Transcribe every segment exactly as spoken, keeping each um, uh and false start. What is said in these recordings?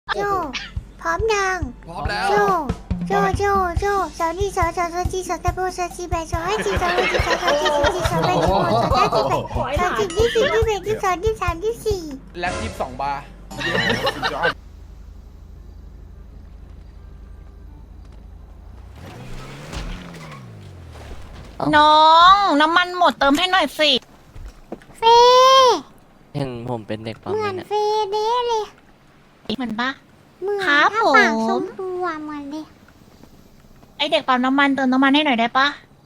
โจพร้อมยังพร้อมแล้วโจโจโจโจสาวนี่สาวสาวสาวจีสาวตะโบสาวจีแบสาวให้จีสาวให้จีสาวสาวจีสาวจีสาวแบสาวสาวจีแบสาวจีที่สี่ที่แบที่สองที่สามที่สี่แล็บยี่สิบสองบาร์น้องน้ำมันหมดเติมให้หน่อยสิเฟ่เห็นผมเป็นเด็กปั๊มเหมือนเนี่ยเฟ่เด้เลยเหมือนปะเหมือนครับถ้าปากผมชมพูอะเหมือนเลยไอเด็กปั๊มน้ำมันเติมน้ำมันให้หน่อยได้ปะ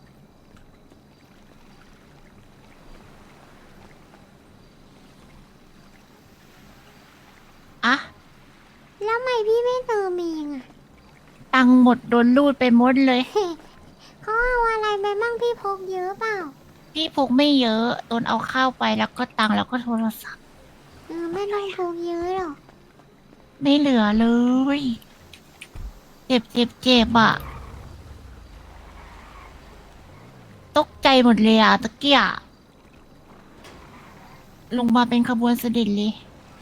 อะแล้วทำไมพี่ไม่เติมเองอะตังค์หมดโดนรูดไปหมดเลยเขาเอาอะไรไปมั่งพี่พกเยอะเปล่าพี่พกไม่เยอะโดนเอาข้าวไปแล้วก็ตังค์แล้วก็โทรศัพท์เออไม่ต้องพกเยอะหรอกไม่เหลือเลย เจ็บเจ็บเจ็บอะตกใจหมดเลยอะตะเกียะลงมาเป็นขบวนเสด็จเลย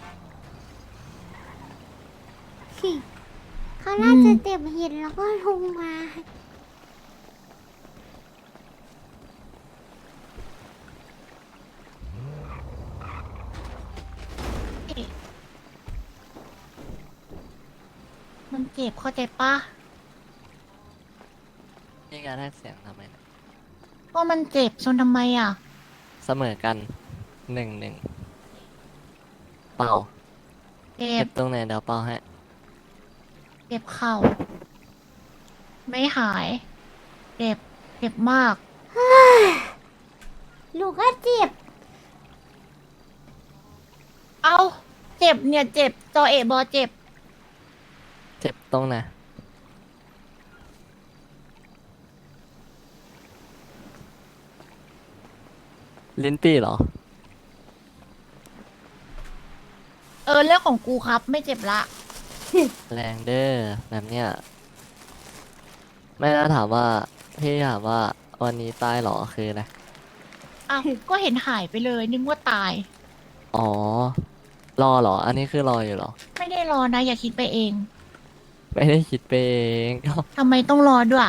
เขาน่าจะอืมเต็บเห็นแล้วก็ลงมามันเจ็บเข้าใจปะนี่การแลกเสียงทำไมเนี่ยก็มันเจ็บชนทำไมอ่ะเสมอกันหนึ่งหนึ่งเป่าเจ็เก็บบตรงไหนเดี๋ยวเป่าให้เจ็บเข่า ไม่หาย เจ็บ เจ็บมากลูกก็เจ็บเอาเจ็บเนี่ยเจ็บจอเอบอเจ็บเจ็บตรงไหนลิ้นปี่เหรอเออเรื่องของกูครับ ไม่เจ็บละแรงเด้อแบบเนี้ยไม่น่าถามว่า พี่ถามว่าวันนี้ตายเหรอคืออะไรอ้าวก็เห็นหายไปเลย นึกว่าตายอ๋อ รอเหรอ อันนี้คือรออยู่เหรอไม่ได้รอนะ อย่าคิดไปเองไม่ได้คิดไปเองทำไมต้องรอด้วย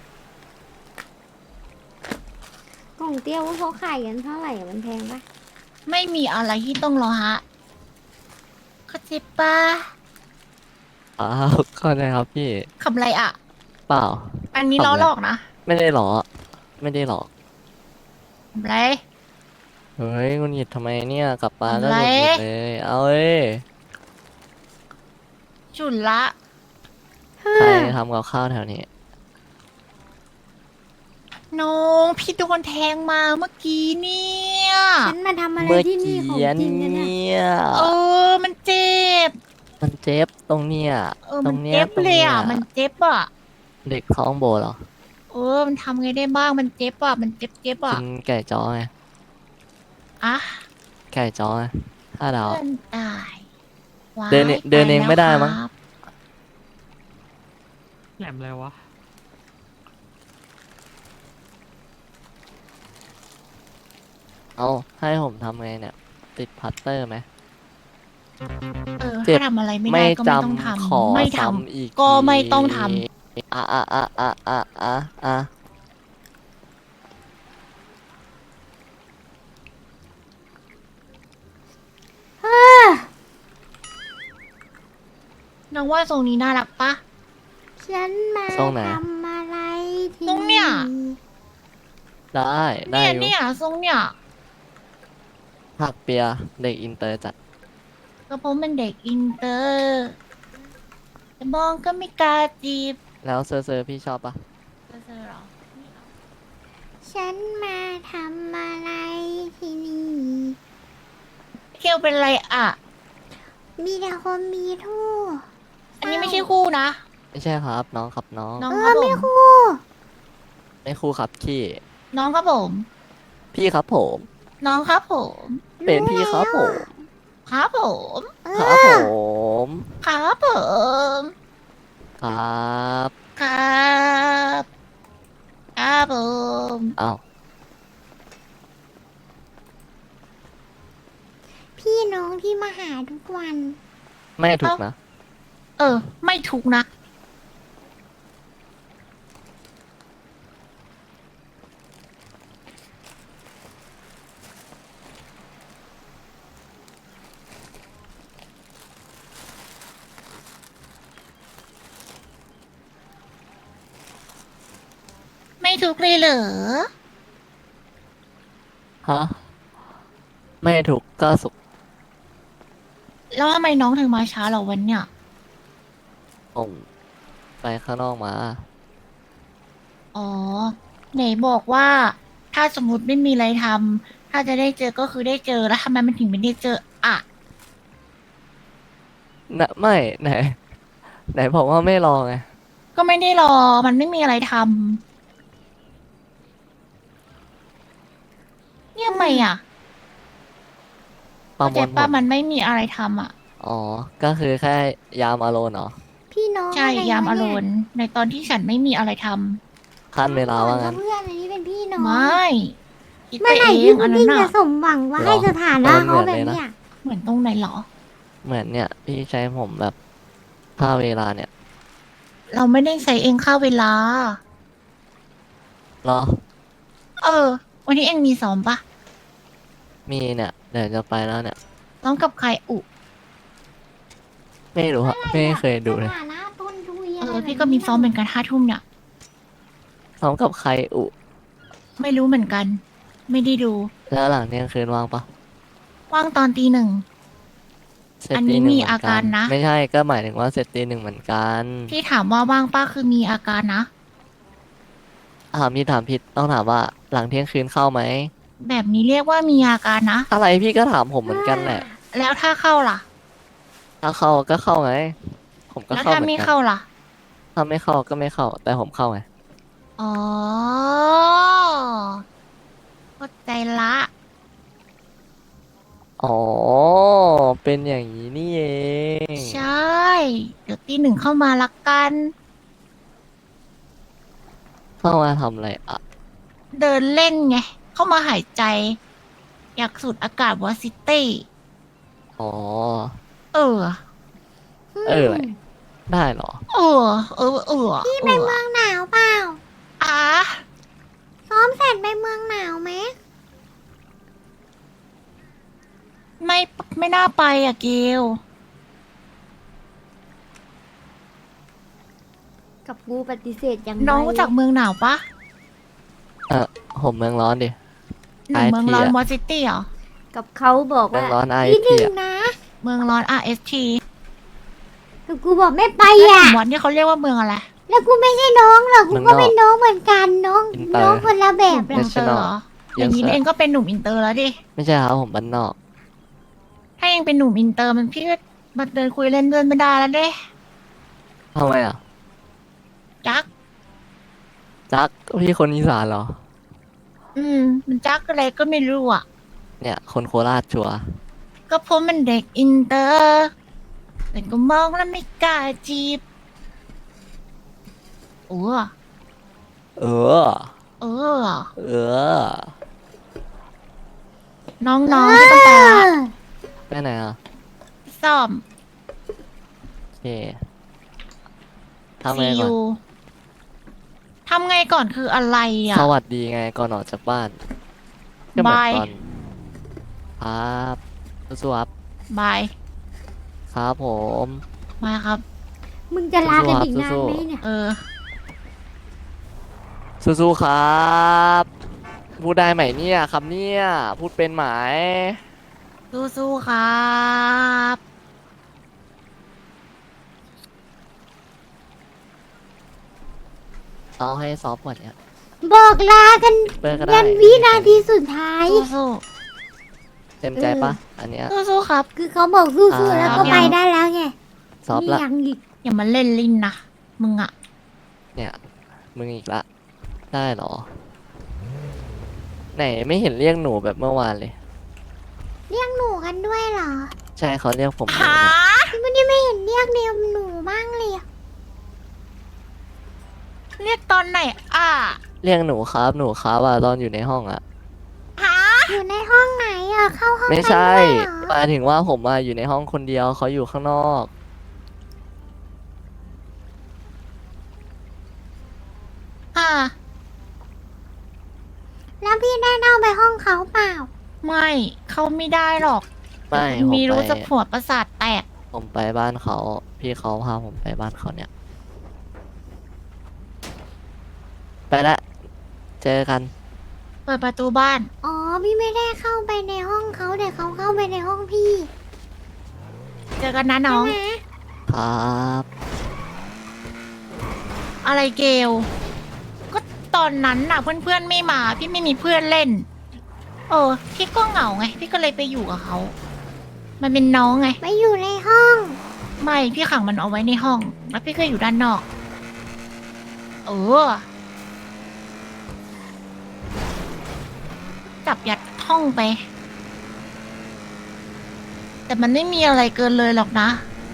กล่องเตี้ยวว่าเขาขายกันเท่าไหร่อะมันแพงปะไม่มีอะไรที่ต้องรอฮะเข้าใจปะอ้าวก็ได้ครับพี่คำไรอ่ะเปล่าอันนี้ล้อหลอกนะไม่ได้หรอ ไม่ได้หรอกคำไรเฮ้ยคุณหยิดทำไมเนี่ยกลับมาก็อะไรหงุดหงิดเลย เอาเอ้ยจุนละใครทำกับข้าวแถวนี้น้องพี่โดนแทงมาเมื่อกี้เนี่ยฉันมาทำอะไรเมื่อที่นี่กี้ของจริงกันเนี่ยเนี่ยเออ มันเจ็บมันเจ็บตรงเนี้ยเออตรมันงเนี้ยเจ็บตรงเลยเนี้ยอ่ะ มันเจ็บอ่ะเด็กท้องโบเหรอเออ มันทำไงได้บ้าง มันเจ็บอ่ะ มันเจ็บเจ็บอ่ะกินไก่จ้อไงอ่ะไก่จ้อไงห้าดาวเพื่อนตายว้ายเดินเองเดินเองปแล้วไม่ได้มั้งครับแหลมอะไรวะเอาให้ผมทำไงเนี่ย ติดพัตเตอร์ไหมเออเจ็บถ้าทำอะไรไม่ไม่ได้ก็ไม่ต้องจำขอทำ ไม่ทซ้ำอีกำก็ไม่ต้องทอ่ะอ่ะอ่ะอ่ะอ่ะอ่ะอ่ะำน้องว่าทรงนี้น่ารักปะฉันมาทรงไหนทำอะไรที่ตรงเนี่ยได้ได้เนี่ยอยู่เนี่ยทรงเนี่ยผักเปียเด็กอินเตอร์จัดก็เพราะมันเด็กอินเตอร์แต่มองก็ไม่กล้าจีบแล้วเซอร์เซอร์พี่ชอบปะเจอเหรอไม่เอาฉันมาทำอะไรที่นี่เคียวเป็นไรอ่ะมีแต่คนมีทู่อันนี้ไม่ใช่คู่นะไม่ใช่ครับ น้องครับน้องน้องเอครัอบผไม่มคู่ไม่คู่ครับพี่น้องครับผมพี่ครับผมน้องครับผมเป็นพี่ครับผมครับผมเอครับผอมครับผมครับครับครับผมอ้าวพี่น้องที่มาหาทุกวันไม่ถูกนะเออ ไม่ทุกข์นะ ไม่ทุกข์เลยเหรอฮะไม่ถูกข์ก็สุขแล้วทำไมน้องถึงมาช้าเหรอวันเนี้ยผมไปข้างนอกมาอ๋อ ไหนบอกว่า ถ้าสมมติไม่มีอะไรทำ ถ้าจะได้เจอก็คือได้เจอ แล้วทำไมมันถึงไม่ได้เจออ่ะนะไม่ไหน ไหนบอกว่าไม่รอไงก็ไม่ได้รอ มันไม่มีอะไรทำเนี่ยทำไมอ่ะประเข้าม ใจวลผป้าลมันไม่มีอะไรทำอ่ะอ๋อ ก็คือแค่ยามอารมณ์เหรอพี่น้องใช่ะไรยามวะอารเนี่มณ์ในตอนที่ฉันไม่มีอะไรทขั้นเวลาว่าก่งั้อน เพื่อนอันนี้เป็นพี่น้อำงไม่คิดไปเมื่อไหร่เอพี่งพุอัดนนั้ดิ้นงน่ะจะสมหวังว่าหรอให้สถานะเออเขาเหมืแบอนบเลยนะเนี้ยเหมือนตรงไหนเหรอเหมือนเนี่ย พี่ใช้ผมแบบถ้าเวลาเนี่ยเราไม่ได้ใส่เองค่าเวลารอเออ วันนี้เองมีซ้อมปะมีเนี่ย เดี๋ยวจะไปแล้วเนี่ยซ้อมกับใครอุไม่รู้อะไม่เคยดูเลยสถานะต้นทุยเออะไรอแบบพี่ก็มีซ้อมเหมือนกันห้าทุ่มเนี่ยซ้อมกับใครอุไม่รู้เหมือนกัน ไม่ได้ดูแล้วหลังเที่ยงคืนว่างปะว่างตอนตีหนึ่งเสร็จอันนี้ตีหนึ่งมีเหมือนอาการนะไม่ใช่ก็หมายถึงว่าเสร็จตีหนึ่งเหมือนกันที่ถามว่าว่างป้าคือมีอาการนะถามพี่ถามผิดต้องถามว่าหลังเที่ยงคืนเข้าไหมแบบนี้เรียกว่ามีอาการนะอะไรพี่ก็ถามผมเหมือนกันแหละแล้วถ้าเข้าล่ะถ้าเข้าก็เข้าไง ผมก็แล้วเข้าถ้าเหมือไม่นกัเข้าน ล่ะถ้าไม่เข้าก็ไม่เข้า แต่ผมเข้าไงอ๋อเข้าใจละอ๋อ เป็นอย่างนี้นี่เองใช่ เดี๋ยวตีหนึ่งเข้ามาละกันเข้ามาทำอะไรอ่ะเดินเล่นไง เข้ามาหายใจ อยากสูดอากาศวอซิตี้อ๋อเออเออ ได้เหรอเออ เออ เออพี่ไปเมืองหนาวเปล่าอ่ะซ้อมเสร็จไปเมืองหนาวไหมไม่ไม่น่าไปอ่ะเกลกับกูปฏิเสธยังน้องรู้จักเมืองหนาวปะเออผมเมืองร้อนดิหนึ่งเมืองร้อนไอวทีออะซิตี้เหรอกับเขาบอกเมืองว่าร้อนไอพี่หทีนึ่งอะนะเมืองร้อน อาร์ เอส ทีแต่กูบอกไม่ไปแล้วอ่ะถึงวันที่เขาเรียกว่าเมืองอะไรแล้วกูไม่ใช่น้องหรอกกูก็เป็นน้องเหมือนกันน้องน้องคนละแบบอินเตอร์เหรอ อย่างนี้เองก็เป็นหนุ่มอินเตอร์แล้วดิไม่ใช่ครับผมบ้านนอกถ้าเองเป็นหนุ่มอินเตอร์มันพี่ก็มาเดินคุยเล่นเดินไม่ได้แล้วเด้ทำไมอ่ะจักจักพี่คนอีสานเหรออืม มันจักอะไรก็ไม่รู้อ่ะเนี่ย คนโคราชชัวร์ก็เพราะมันเด็กอินเตอร์แต่ก็มองแล้วไม่กล้าจีบเออเออเออเออน้องๆที่ต้องไปละไปไหนอ่ะซ่อมโอเคทำไงซีก่อนยูทำไงก่อนคืออะไรอ่ะสวัสดีไงก่อนออกจากบ้านก็เหมือนบายตอนครับสู้ๆครับบายครับผมมาครับมึงจะลากันอีกนานไหมเนี่ยเออสู้ๆครับ พูดได้ไหมเนี่ยครับเนี่ย พูดเป็นไหมสู้ๆครับเอาให้ซอฟต์กว่านี้บอกลากันเปิดก็ได้ยันวินาทีสุดท้ายสู้เต็มใจปะอันเนี้ยๆสู้ๆครับคือเขาบอกสู้ๆแล้วก็อ่าไปได้แล้วไงซอฟต์นี่ละยังอีกอย่ามาเล่นลิ้นนะ มึงอ่ะเนี่ย มึงอีกละ ได้เหรอ ไหนไม่เห็นเรียกหนูแบบเมื่อวานเลยเรียกหนูกันด้วยเหรอใช่เขาเรียกผมหนูหาเนี่ยวันนี้ไม่เห็นเรียกเดียวหนูบ้างเลยอะเรียกตอนไหน อ่ะเรียกหนูครับหนูครับอ่ะตอนอยู่ในห้องอ่ะหาอยู่ในห้องไหนอะเข้าห้องไม่กันใช่ด้วยเหรอหมายถึงว่าผมมาอยู่ในห้องคนเดียวเขาอยู่ข้างนอกแล้วพี่ได้เล่าไปห้องเขาเปล่าไม่เขาไม่ได้หรอกไม่ผมมีรู้ไปจะหัวประสาทแตกผมไปบ้านเขา พี่เขาพาผมไปบ้านเขาเนี่ย ไปละเจอกันเปิดประตูบ้านอ๋อพี่ไม่ได้เข้าไปในห้องเขาแต่เขาเข้าไปในห้องพี่เจอกันนะน้องใช่ไหมครับอะไรเกลก็ตอนนั้นน่ะเพื่อนๆไม่มา พี่ไม่มีเพื่อนเล่น เออ พี่ก็เหงาไง พี่ก็เลยไปอยู่กับเขา มันเป็นน้องไงไปอยู่ในห้องไม่ พี่ขังมันเอาไว้ในห้อง แล้วพี่ก็อยู่ด้านนอก เออ จับยัดห้องไป แต่มันไม่มีอะไรเกินเลยหรอกนะ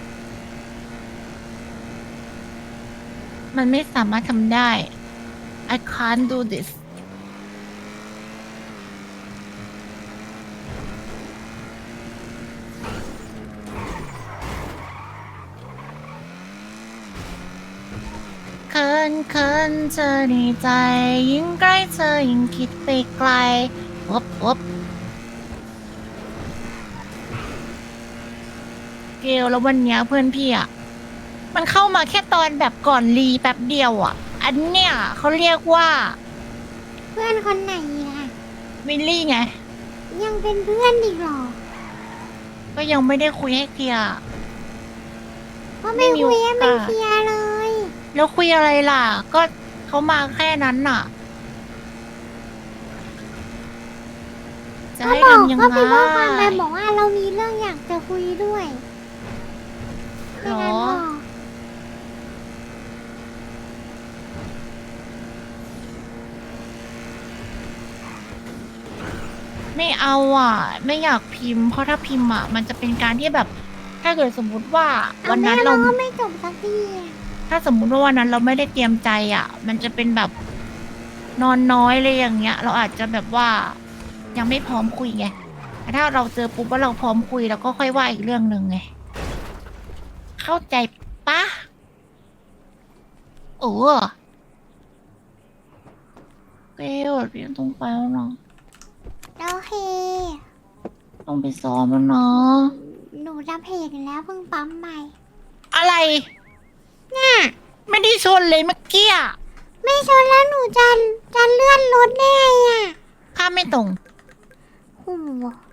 มันไม่สามารถทำได้ I can't do this เคินเคินเธอในใจ ยิ่งใกล้เธอยิ่งคิดไปไกลวบวบเกลแล้ววันเนี้ยเพื่อนพี่อ่ะ มันเข้ามาแค่ตอนแบบก่อนรีแป๊บเดียวอ่ะ อันเนี้ยเขาเรียกว่าเพื่อนคนไหนล่ะวิลลี่ไงยังเป็นเพื่อนอีกเหรอก็ยังไม่ได้คุยให้เคลียร์ก็ไม่คุยให้มันไม่มีโอกาสเคลียร์เลยแล้วคุยอะไรล่ะ ก็เขามาแค่นั้นน่ะ จะก็ให้บอกทำยังก็ไงเป็นข้อความไปบอกว่าเรามีเรื่องอยากจะคุยด้วยหรแค่นั้นอพอไม่เอาอ่ะ ไม่อยากพิมพ์ เพราะถ้าพิมพ์อ่ะ มันจะเป็นการที่แบบ ถ้าเกิดสมมุติว่าเอาวันแม่นั้นเราเราก็ไม่จบสักทีอะถ้าสมมุติว่าวันนั้นเราไม่ได้เตรียมใจอ่ะ มันจะเป็นแบบนอนน้อยเลยอย่างเงี้ย เราอาจจะแบบว่า ยังไม่พร้อมคุยไงแต่ถ้าเราเจอปุ๊บว่าเราพร้อมคุยแล้วก็ค่อยว่าอีกเรื่องหนึ่งไง เข้าใจปะโอ้เกลพี่ต้องไปแล้วเนาะโอเคต้องไปซ้อมแล้วเนาะหนูจะเพจแล้วเพิ่งปั๊มใหม่อะไรเนี่ยไม่ได้ชนเลยเมื่อกี้อะไม่ชนแล้วหนูจะจะเลื่อนรถได้ไงอ่ะข้ามไม่ตรงโอ้โห